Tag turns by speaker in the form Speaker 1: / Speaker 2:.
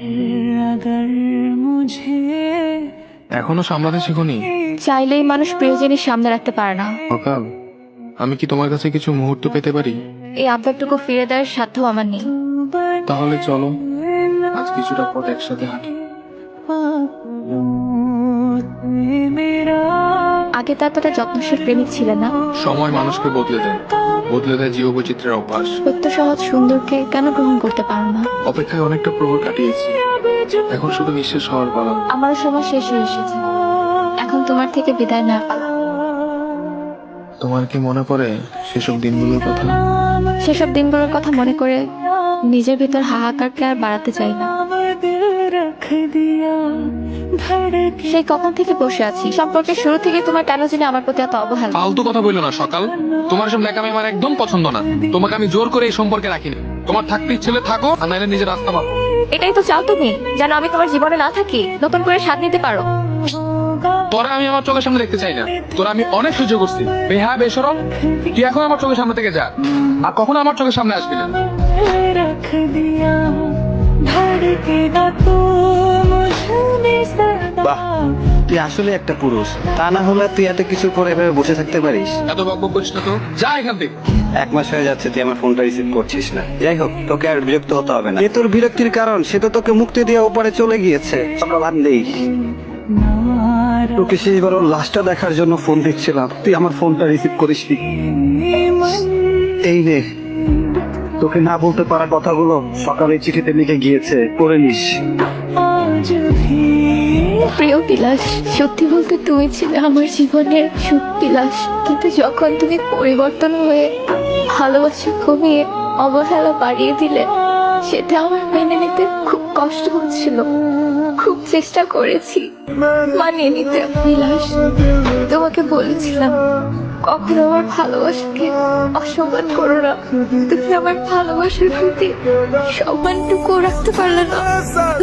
Speaker 1: এখনো সামলাতে শিখোনি?
Speaker 2: চাইলেই মানুষ প্রিয় জিনিস সামনে রাখতে পারে না।
Speaker 1: সকাল, আমি কি তোমার কাছে কিছু মুহূর্ত পেতে পারি?
Speaker 2: এই আবেগটুকু ফিরে দেওয়ার সাধ্য আমার নেই।
Speaker 1: তাহলে চলো আজ কিছুটা পথ একসাথে হাঁটি।
Speaker 2: আগে তো এতটা যত্নশীল প্রেমিক ছিলে না।
Speaker 1: সময় মানুষকে বদলে দেয়, বদলে দেয় জীববৈচিত্র্যের অভ্যাস।
Speaker 2: সত্য সহজ সুন্দরকে কেন গ্রহণ করতে পারো না?
Speaker 1: অপেক্ষায় অনেকটা প্রহর কাটিয়েছি, এখন শুধু নিঃশেষ হওয়ার পালা।
Speaker 2: আমারও সময় শেষ হয়ে এসেছে, এখন তোমার থেকে বিদায় না পালা।
Speaker 1: তোমার কি মনে পড়ে সেসব দিনগুলোর কথা?
Speaker 2: সেসব দিনগুলোর কথা মনে করে নিজের ভিতর হাহাকারকে আর বাড়াতে চাই না। সেই কখন থেকে বসে আছি, সম্পর্কের শুরু থেকে তোমার কেন জানি আমার প্রতি এত অবহেলা।
Speaker 1: ফালতু কথা বললো না সকাল, তোমার সব ন্যাকামি আমার একদম পছন্দ না। তোমাকে আমি জোর করে এই সম্পর্কে রাখিনি। তোমার থাকতে ইচ্ছে হলে থাকো, আর নাইলে নিজের রাস্তা পাবো।
Speaker 2: এটাই তো চাও তুমি, যেন আমি তোমার জীবনে না থাকি, নতুন করে স্বাদ নিতে পারো।
Speaker 1: তোরা আমি আমার চোখের সামনে দেখতে চাই না। তোরা আমি অনেক সহ্য করছি, বেহা বেসরম। তুই এখন আমার চোখের সামনে থেকে যা, আর কখনো আমার চোখের সামনে আসবি না।
Speaker 3: বাহ, তুই আসলে একটা পুরুষ। তা না হলে তুই এত কিছু করে এভাবে বসে থাকতে পারিস?
Speaker 1: এত বকবক করিস না তো, যা এখান থেকে।
Speaker 3: 1 মাস হয়ে যাচ্ছে তুই আমার ফোনটা রিসিভ করছিস না। যাই হোক, তোকে আর বিরক্ত হতে হবে না। এ তোর বিরক্তির কারণ, সে তো তোকে মুক্তি দিয়ে ওপারে চলে গিয়েছে। বাদ নেই, তোকে শেষবার ওর লাশটা দেখার জন্য ফোন দিচ্ছিলাম, তুই আমার ফোনটা রিসিভ করিসনি। এই নে, তোকে না বলতে পারা কথাগুলো সকালে চিঠিতে লিখে গিয়েছে, পড়ে নিস।
Speaker 2: প্রিয় বিলাস, সত্যি বলতে তুমি ছিলে আমার জীবনের সুখ বিলাস, কিন্তু যখন তুমি পরিবর্তন হয়ে ভালোবাসা কমিয়ে অবহেলা বাড়িয়ে দিলে, সেটা আমার মেনে নিতে খুব কষ্ট হচ্ছিল। খুব চেষ্টা করেছি মানিয়ে নিতে বিলাস। তোমাকে বলেছিলাম কখনো আমার ভালোবাসাকে অসম্মান করো না। তুমি আমার ভালোবাসার প্রতি সম্মানটুকু রাখতে পারলে না।